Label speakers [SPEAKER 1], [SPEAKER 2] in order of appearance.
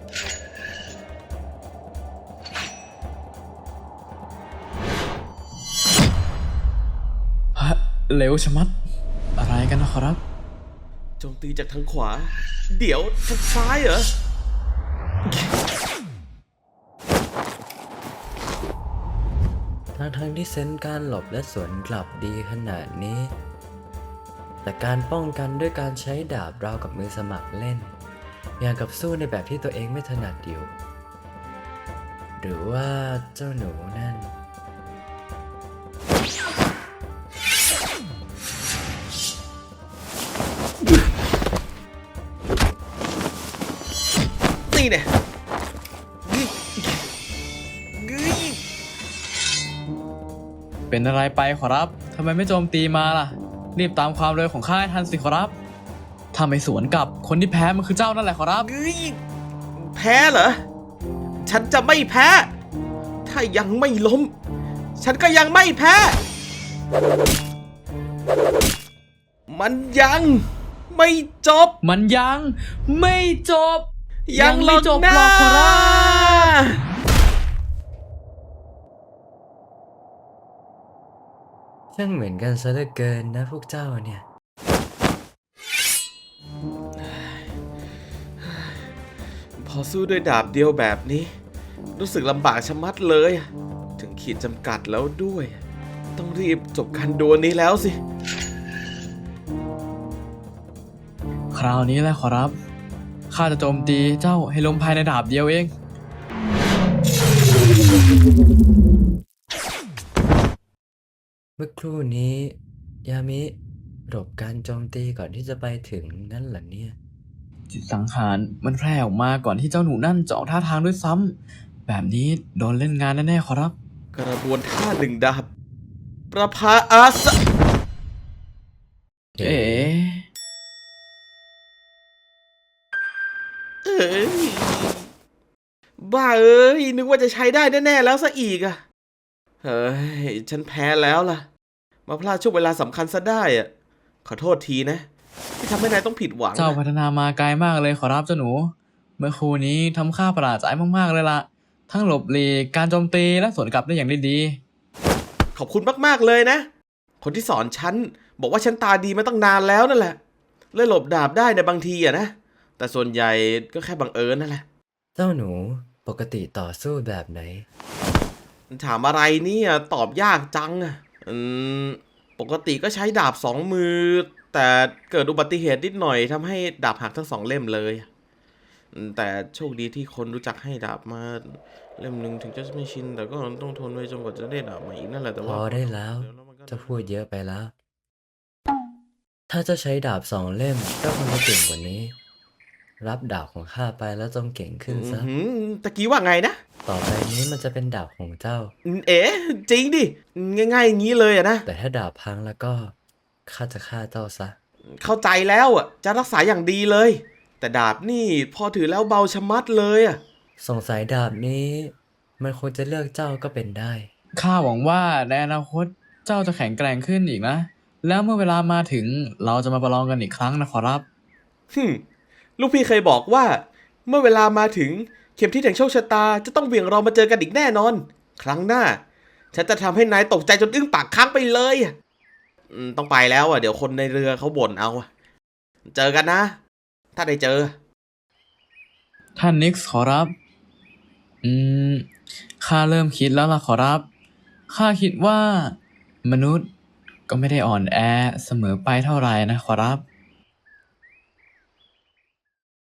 [SPEAKER 1] ฮะเร็วชะมัดอะไรกันนะครับ
[SPEAKER 2] โจมตีจากทางขวาเดี๋ยวทางซ้ายเหรอ
[SPEAKER 3] ทั้งที่เซนส์การหลบและสวนกลับดีขนาดนี้แต่การป้องกันด้วยการใช้ดาบราวกับมือสมัครเล่นอย่างกับสู้ในแบบที่ตัวเองไม่ถนัดอยู่หรือว่าเจ้าหนูนั่น
[SPEAKER 2] นี่เนี่ย
[SPEAKER 1] เป็นอะไรไปขอรับทำไมไม่โจมตีมาล่ะรีบตามความเร็วของข้าให้ทันสิขอรับถ้าไม่สวนกลับคนที่แพ้มันคือเจ้านั่นแหละขอรับ
[SPEAKER 2] แพ้เหรอฉันจะไม่แพ้ถ้ายังไม่ล้มฉันก็ยังไม่แพ้มันยังไม่จบ
[SPEAKER 1] มันยังไม่จบ
[SPEAKER 2] ยังไม่จบหรอกขอรับ
[SPEAKER 3] ช่างเหมือนกันซะเหลือเกินนะพวกเจ้าเนี่ย
[SPEAKER 2] พอสู้ด้วยดาบเดียวแบบนี้รู้สึกลำบากชะมัดเลยถึงขีดจำกัดแล้วด้วยต้องรีบจบการดวลนี้แล้วสิ
[SPEAKER 1] คราวนี้แหละขอรับข้าจะโจมตีเจ้าให้ล้มภายในดาบเดียวเอง
[SPEAKER 3] เมื่อครู่นี้ยามิหลบการโจมตีก่อนที่จะไปถึงนั่นเหรอเนี่ย
[SPEAKER 1] จิตสังหารมันแพร่ออกมาก่อนที่เจ้าหนูนั่นจะออกท่าทางด้วยซ้ำแบบนี้โดนเล่นงานแน่ๆขอรับ
[SPEAKER 2] กระบวนท่าหนึ่งดาบประภาอาสะ
[SPEAKER 1] เอ๋
[SPEAKER 2] บ้าเอ้ยนึกว่าจะใช้ได้แน่ๆแล้วซะอีกอะเฮ้ยฉันแพ้แล้วล่ะมาพลาดช่วงเวลาสำคัญซะได้อะขอโทษทีนะที่ทำให้นายต้องผิดหวัง
[SPEAKER 1] เจ้าพัฒนามาไกลมากเลยขอรับเจ้าหนูเมื่อครู่นี้ทำข้าประหลาดใจมากๆเลยล่ะทั้งหลบหลีกการโจมตีและสวนกลับได้อย่างดี
[SPEAKER 2] ขอบคุณมากๆเลยนะคนที่สอนฉันบอกว่าฉันตาดีมาตั้งนานแล้วนั่นแหละเลยหลบดาบได้ในบางทีอะนะแต่ส่วนใหญ่ก็แค่บังเอิญนั่นแหละ
[SPEAKER 3] เจ้าหนูปกติต่อสู้แบบไหน
[SPEAKER 2] ถามอะไรเนี่ยตอบยากจังอะปกติก็ใช้ดาบสองมือแต่เกิดอุบัติเหตุนิดหน่อยทำให้ดาบหักทั้งสองเล่มเลยแต่โชคดีที่คนรู้จักให้ดาบมาเล่มหนึ่งถึงจะไม่ชินแต่ก็ต้องทนไว้จนกว่าจะได้ดาบใหม่อีกนั่นแหละแต่
[SPEAKER 3] พ
[SPEAKER 2] ว่า
[SPEAKER 3] อได้แล้วจะพูดเยอะไปแล้วถ้าจะใช้ดาบสองเล่มก็คงจะเก่งกว่านี้รับดาบของข้าไปแล้วจงเก่งขึ้นซะ
[SPEAKER 2] ตะกี้ว่าไงนะ
[SPEAKER 3] ต่อไปนี้มันจะเป็นดาบของเจ้า
[SPEAKER 2] เอ๋จริงดิง่ายๆอย่างนี้เลยอะนะ
[SPEAKER 3] แต่ถ้าดาบพังแล้วก็ข้าจะฆ่าเจ้าซะ
[SPEAKER 2] เข้าใจแล้วอะจะรักษาอย่างดีเลยแต่ดาบนี่พอถือแล้วเบาชะมัดเลยอะ
[SPEAKER 3] สงสัยดาบนี้มันควรจะเลือกเจ้าก็เป็นได้
[SPEAKER 1] ข้าหวังว่าในอนาคตเจ้าจะแข็งแกร่งขึ้นอีกนะแล้วเมื่อเวลามาถึงเราจะมาประลองกันอีกครั้งนะขอรับ
[SPEAKER 2] ลูกพี่เคยบอกว่าเมื่อเวลามาถึงเข็มทิศแห่งโชคชะตาจะต้องเบี่ยงเรามาเจอกันอีกแน่นอนครั้งหน้าฉันจะทำให้นายตกใจจนอึ้งปากค้างไปเลยต้องไปแล้วอ่ะเดี๋ยวคนในเรือเขาบ่นเอาเจอกันนะถ้าได้เจอ
[SPEAKER 1] ท่านนิกส์ขอรับข้าเริ่มคิดแล้วล่ะขอรับข้าคิดว่ามนุษย์ก็ไม่ได้อ่อนแอเสมอไปเท่าไหร่นะขอรับ